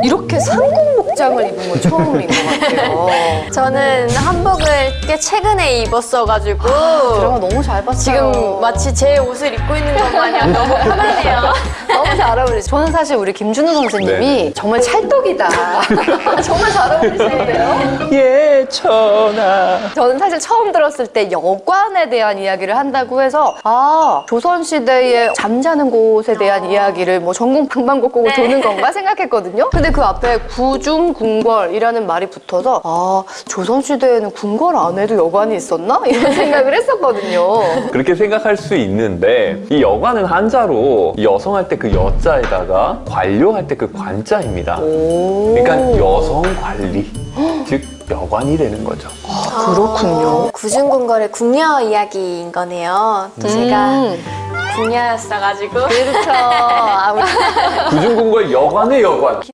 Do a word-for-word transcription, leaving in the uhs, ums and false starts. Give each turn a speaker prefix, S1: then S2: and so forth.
S1: 이렇게 상국 복장을 입은 건 처음인 것 같아요.
S2: 저는 한복을 꽤 최근에 입었어가지고
S1: 드라마 너무 잘 봤어요.
S2: 지금 마치 제 옷을 입고 있는 것 마냥 너무 편하네요.
S1: 너무 잘 어울리세요. 저는 사실 우리 김준우 선생님이
S3: 네.
S1: 정말 찰떡이다. 정말 잘 어울리시는데요?
S3: 예, 천하.
S1: 저는 사실 처음 들었을 때 여관에 대한 이야기를 한다고 해서 아 조선시대의 잠자는 곳에 대한 이야기를 뭐 전국 방방곡곡을
S2: 네.
S1: 도는 건가 생각했거든요. 근데 그 앞에 구중궁궐이라는 말이 붙어서 아 조선시대에는 궁궐 안에도 여관이 있었나? 이런 생각을 했었거든요.
S3: 그렇게 생각할 수 있는데 이 여관은 한자로 여성할 때 그 여자에다가 관료할 때 그 관자입니다. 그러니까 여성 관리, 즉 여관이 되는 거죠.
S1: 그렇군요.
S2: 구중궁궐의 궁녀 이야기인 거네요. 또 제가
S1: 음,
S2: 궁녀였어가지고
S1: 그렇죠. 아, 우리
S3: 구중궁궐 여관의 여관.